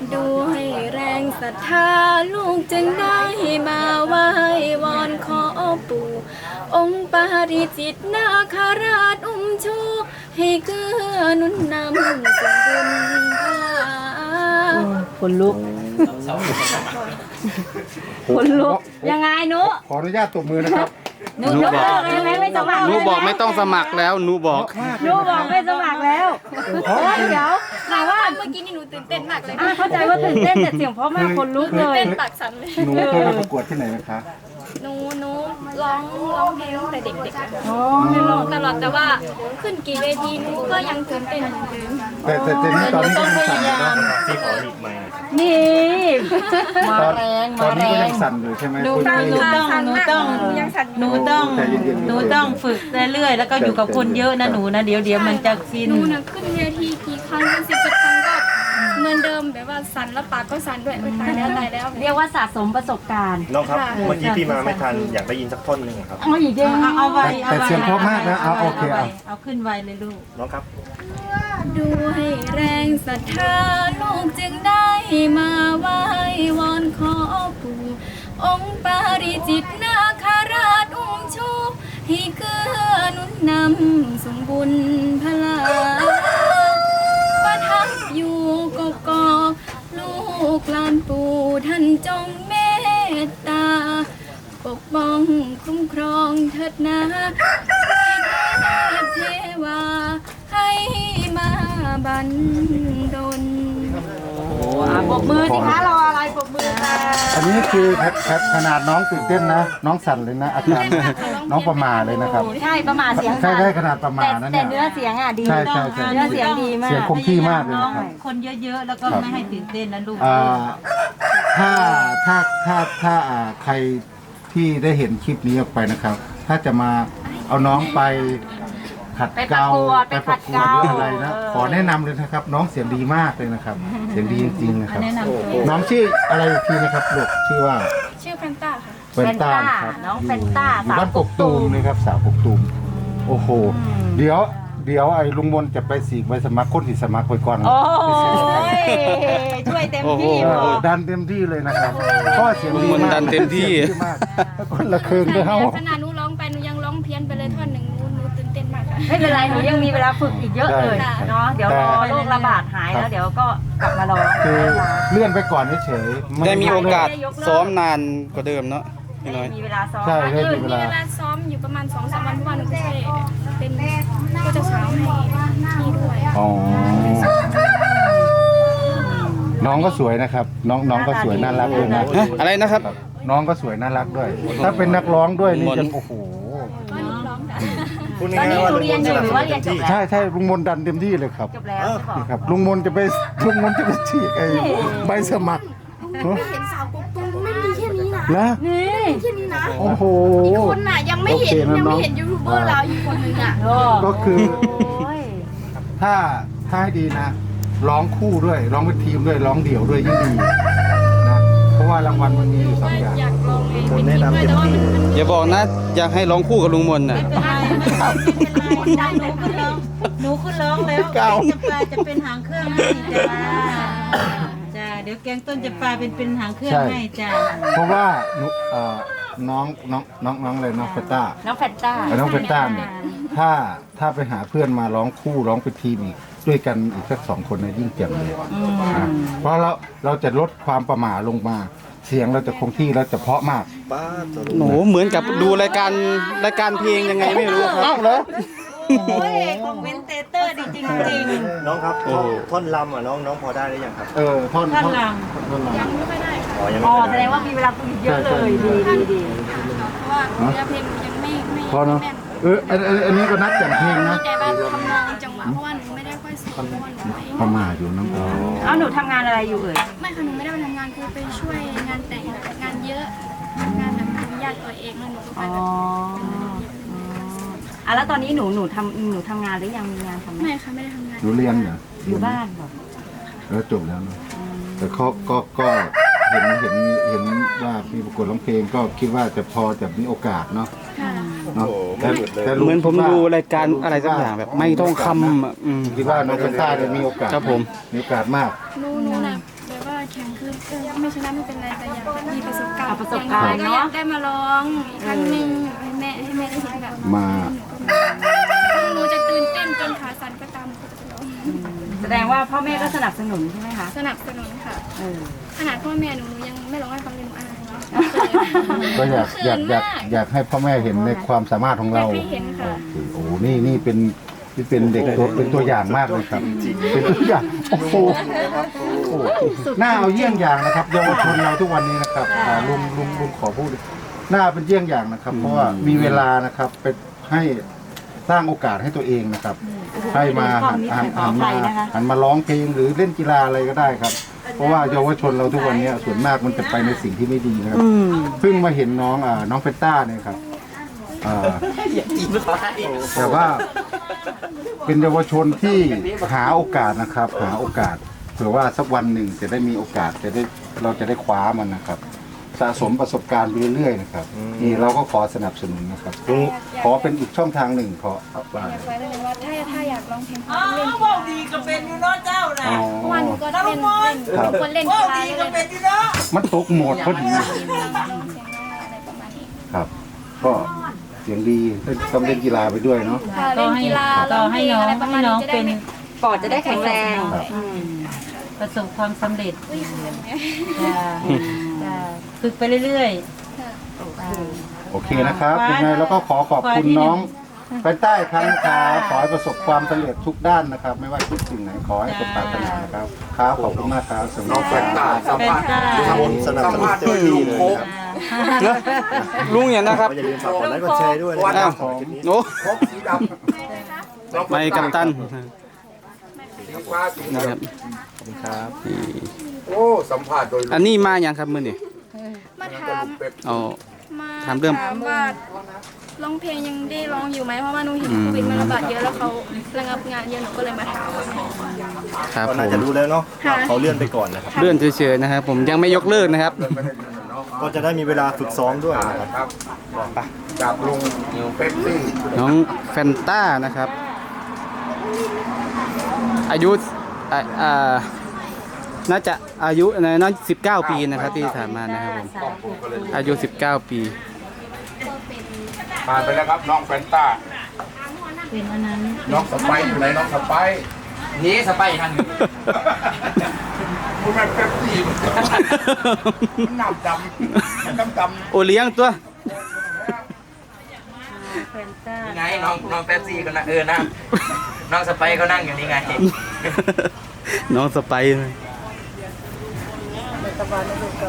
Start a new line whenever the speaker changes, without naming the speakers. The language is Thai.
ดูให้แรงศรัทธาลูกจึงได้มาไหว้วอนขอปู่องค์ปาริจิตนาคราชอุ้มชูให้เกื้อหนุนนำส่งบุญพลา
คนลุกคนลุกยังไงหนู
ขออนุญาตตบมือนะครับ
หนูยกเลิกเลยไหมไม่สมัคร
หนูบอกไม่ต้องสมัครแล้วหนูบอก
หนูบอกไม่สมัครแล้วเดี๋ยวถามว่า
เมื่อกี้นี่หนูตื่นเต้นมากเลย
เข้าใจว่าตื่นเต้นแต่เสียงเพราะมากคนลุกเลย
เต้นปากสั่นเลย
หนูเคยมาประกวดที่ไหนไหมคะ
หนูร้องเพลงตั้งแต่เด็กๆ
อ๋อ
ร้องตลอดแต่ว่าขึ้นกี่เวทีหนูก็ยังตื่นเต้นเหมือนเดิม
แต่นี่ตอนนี้ก็ยังสั่นอยู่นะ
ที่ขอหลีกไมค์
นี่มา
ตอน
แรง
ตอ
มาน แร
นี้ก็
ง
ยังสั่นอยู่ใช่ไหม
หนู
คุณ
ต้อง
พี่
ยังสั่น
หนูต้องฝึกเรื่อยๆแล้วก็อยู่กับคนเยอะนะหนูนะเดี๋ยวมันจะชิน
หนูน่ะขึ้นเวทีกี่ครั้งเป็น10 ครั้งก็เหมือนเดิมแบบว่าสั่นแล้วปากก็สั่นด้วยโอ๊ยตายแล้ว
เรียกว่าสะสมประสบการณ์
น้องครับ เมื่อกี้พี่มาไม่ทันอยากได้ยินสักท่อนหนึ่งครับ
เอาอีกเดียวเอาไว้
แต่เสียงเพราะมากนะเอาโอเคเอา
เอาขึ้นไวเลยลูก
น้องครับ
ดูให้แรงศรัทธาลูกจึงได้มาไหว้วอนขอปู่องค์ปาริจิตนาคราชอุ้มชูให้เกื้อหนุนนำส่งบุญพลาประทับอยู่กกอกลูกหลานปู่ท่านจงเมตตาปกป้องคุ้มครองเถิดนาให้เทวาให้มาบันดล
ปรบมือสิคะรออะไรปรบมือค่ะ
อันนี้คือขนาดน้องตื่นเต้นนะ น้องสั่นเลยนะอาการน้องประมาเลยนะครับ
ใช่ประมาทเสียง
ใช่ขนาดประมานะ
แต่
เนี่ย
เนื้อเสียงอ่ะดี
ใช่
เนื้อเสียงดีมาก
เสียงคงที่มากเลยนะครับ
คนเยอะๆแล้วก็ไม่ให้ตื่นเต้นนะลูก
อ่าถ้าใครที่ได้เห็นคลิปนี้ออกไปนะครับ ถ้าจะมาเอาน้องไปขัดเกลาไปประกวดหรืออะไรนะขอแนะนำเลยนะครับ น้องเสียงดีมากเลยนะครับ เสียงดีจริงๆนะครับ
แนะนำตัว
น้องชื่ออะไรอีกทีนะครับลูกชื่อว่า
ชื่อแฟนต้าค่ะ
เฟนต้าครับ
น้องเฟนต้า
อยู่บ้านกกตูมนะครับสาวกกตูมโอ้โห เดี๋ยวไอ้ลุงมนจะไปสีกไปสมัครคนที่สมัครไปก่อน
โอ้
ไปสี
ยช่วยเต็มที่
ดันเต็มที่เลยนะครับเพราะว่าเสียงดี
ลุงมน
มาก
ดันเต็มที่
สียงดีมากแล้วคนละคืนด้วยเฮา
ขนาดหนูร้องไปหนูยังร้องเพี้ยนไปเลยท่อนหนึ่งหนูตื่นเต้นมากค่ะ
ไม่เป็นไรหนูยังมีเวลาฝึกอีกเยอะเลยเนาะเดี๋ยวรอโรคระบาดหายแล้วเดี๋ยวก็กลับมาร้อง
คือเลื่อนไปก่อนเฉยๆ
ได้มีโอกาสซ้อมนานกว่าเดิมเนาะพี่น้อย
มีเวลาซ้อม
ใช่
มีเวลาซ้อมอยู่ประมาณ 2-3 วันเพราะว่าหนูก็ใช่เป็นก็จะสาวให้พี่ด้วย
อ๋อน้องก็สวยนะครับ น้องก็สวยน่ารักด้วยนะ
ฮะอะไรนะครับ
น้องก็สวยน่ารักด้วย ถ้าเป็นนักร้องด้วยนี่จะโอ้โห
ก็หนูร้องค่ะ
พูด
ตอน
ง่าย
นี้
ๆว่า
หนูเรียนอยู่หรือว่าเรียนจบแล้ว
ใช่ลุงมนดันเต็มที่เลยครับ
จบแล้วใช่
นี่
ปะ
ครับลุงมนจะไปฉีกไอ้ใบสมัคร
เห็นสาวกบตูมไม่มีแค่นี้นะ
แล้ว
นี่
แค่นี้นะ
โอ้โห
อีกคนน่ะยังไม่เห็น
โอเคนะ
ยัง
น้
ไม่
อง
เห็นยูทูบเบอร์เราอีกคนนึงอ่ะ
ก็คือ
โอ้ย
ถ้าให้ดีนะ ร้องคู่ด้วย ร้องเป็นทีมด้วย ร้องเดี่ยวด้วยยิ่งดีนะ เพราะว่ารางวัลมันมีอยู่สองอย่าง
อยากลองเอง
คน
เป็น
แนะ
ทีม
นำ
ด้วย
เต็ม
แต่ว่า
ที่
อย่าบอกนะอยากให้ร้องคู่กับลุงมนน่ะ
ไม่เป็นไรได้หนูขึ้นร้องแล้วจะปลาจะเป็นหางเครื่องให้จ้าเดี๋ยวแกงต้นจะปลาเป็นหางเครื่องให้จ้า
เพราะว่าน้องเลยน้องเฟต้า
น้องแฟนต้า
น้องเฟต้าเนี่ยถ้าไปหาเพื่อนมาร้องคู่ร้องเป็นทีมอีกด้วยกันอีกสัก2 คนนะยิ่งเจ๋งเลยนะเพราะเราจะลดความประหม่าลงมา เสียงเราจะคงที่แล้วจะเพราะมาก
ป้าตัว
หนูเหมือนกับดูรายการเพลงยังไงไม่รู้ครับ
เหรอ
โอ้ยคอมเมนเตเตอร์ดีจริง
น้องครับท่อนลำอ่ะน้องพอได้หรือยังครับ
ท่อน
ท่านล
ท่อนล
ยังไม่ค่อยได้ค่ะ
อ๋อยัง
ำอ๋
ไม่
อแส
ได้
ดงว่ามีเวลาฝึกเยอะเลยดี
เพราะว่าเนื้อเพลงยังไม่
ำพอเนาะ
แน่น
อันนี้ก็นัดแต่งเพลงนะ
แต่ว่าทำนองจังหวะเพราะว่าหนูไม่ได้ค่อยซ้อมเพราะว่าหนูไม่
ประหม่าอยู่น้ำ
เอาหนูทำงานอะไรอยู่เอ่ย
ไม่ค่ะหนูไม่ได้ไปทำงานคือไปช่วยงานแต่งงานเยอะงานแบบมีญาติตัวเองแล้วหนูก็ไป
อ๋อ
แบบ
แล้วตอนนี้หนูทำงานหรือยังมีงานทำไหม
ไม่ค่ะไม่ได้ทำงาน
หนูเรียนเหรอ
อยู่บ้านบอก
แล้วจบแล้วเนาะแต่เขาก็เห็นว่ามีประกวดร้องเพลงก็คิดว่าจะพอจะมีโอกาสเนาะ
ค่ะ
เนาะ
โอ้โหไม่หยุดเลย
เหมือนผมดูรายการอะไรสักอย่างแบบไม่ต้องคำอ่ะ
คิดว่าน้องเฟต้าจะมีโอกาส
ครับผม
มีโอกาสมาก
หนูน่ะแบบว่าแข่งคือไม่ชนะไม่เป็นไรแต่อยากมีประสบการณ์
เอาประสบการณ์
อย่งน้อยก็อยากได้มาลองอีกครั้งหนึ่งให้แม่ได้เห็นแบบ
มา
หนูจะตื่นเต้นจนขาสั่นก็ตามจะร้อง
แสดงว่าพ่อแม่ก็สนับสนุนใช่ไหมคะ
สนับสนุนค่ะ
เออ
ขนาดพ่อแม่หนูยังไม่ร้องให้ฟังเลยหนูอาย
ก็อยากให้พ่อแม่เห็นในความสามารถของเรา
ให้เห็นค่ะ
โอ้โหนี่เป็นเด็กเป็นตัวอย่างมากเลยครับ เป็นตัวอย่างโอ้โหน่าเอาเยี่ยงอย่างนะครับเยาวชนเราทุกวันนี้นะครับลุงขอพูดน่าเป็นเยี่ยงอย่างนะครับ เพราะว่ามีเวลานะครับเป็นให้สร้างโอกาสให้ตัวเองนะครับ ให้มาหันมาร้องเพลงหรือเล่นกีฬาอะไรก็ได้ครับ เพราะว่าเยาวชนเราทุกวันนี้ส่วนมากมันจะไปในสิ่งที่ไม่ดีนะครับเพิ่งมาเห็นน้องเฟตต้าเนี่ยครับแต่ว่าเป็นเยาวชนที่หาโอกาสนะครับ หาโอกาสเผื่อว่าสักวันหนึ่งจะได้มีโอกาสเราจะได้คว้ามันนะครับ สะสมประสบการณ์ไปเรื่อยๆนะครับนี่เราก็ขอสนับสนุนนะครับขอเป็นอีกช่องทางหนึ่งขอว่า
อยากไปเลยว่าถ้าอยากร้องเพลงเล่นกีฬาดีก็เป็นอยู่เนาะเจ้านะเมื่อวานหนูก็เล่นคนเล่นกีฬาเลย
มันตกโหมดพอดี
เสียงอะไรประมาณนี้
ครับ ก็เสียงดีต้องเล่นกีฬาไปด้วยเนาะ
ค่ะเล่นกีฬาร้องเพลงอะไรประมาณนี้จะได้ไม่
ปอดจะได้แข็งแรง
ครับ
ประสบความสำเร็จจ้าฝึกไปเรื่อยๆ
โอเคนะครับยังไงแล้วก็ขอบคุณน้องไปใต้ครั้งครับขอให้ประสบความสำเร็จทุกด้านนะครับ ไม่ว่าทุกสิ่งไหนขอให้สมปรารถนานะครับครับขอบคุณมากครับสำหรับการ
สัมภาษณ์ลุงสนับสนุนเต็มที่เลยนะครับ
ลุงอย่างนะครับ
ก็อย่าลืมฝากกดไลค์กดแชร์ด้วยนะค
อ้า
รั
ว
บสำหรับคลิปนี้
โอ้ไม่กัปตันนะครับ
ครับ
นี่
โอ้สัมภาษณ์โดย
อันนี้มาอย่างครับมือนี่
มาถาม
เอา
มา
ถามเรื่อง
ว่าร้องเพลงยังได้ร้องอยู่ไหมเพราะว่าหนูเห็นโควิดมันระบาดเยอะแล้วเขาระงับงานเยอะหนูก็เลยมาถาม
ครับ
ก็
ผ
น่าม จะรู้แล้วเนาะเขาเลื่อนไปก่อนนะครับ
เลื่อนเฉยๆนะครับ ผมยังไม่ยกเลิกนะครับ
ก็จะได้มีเวลาฝึกซ้อมด้วยนะครับ
จากลุงเป๊ปซี่
น้องแฟนต้านะครับ อายุน่าจะอายุน่า19 ปีนะครับที่ถามมานะครับผมอายุ 19 ปี
ผ่านไปแล้วครับน้องแฟนต้า
เป็นอันนั้น
น้องสไปซ์อยู่ไหนน้องสไปซ์
นี่สไปร์ทางนี้
คุณแม่เป๊ปซี่มันน้ำดำดำ
โอเลี้ยงตัว
แฟนต้า
ไงน้องแป๊บซี่ก็นั่งนั่งน้องสไปร์ก็นั่งอยู่นี่ไง
น้องสไปร์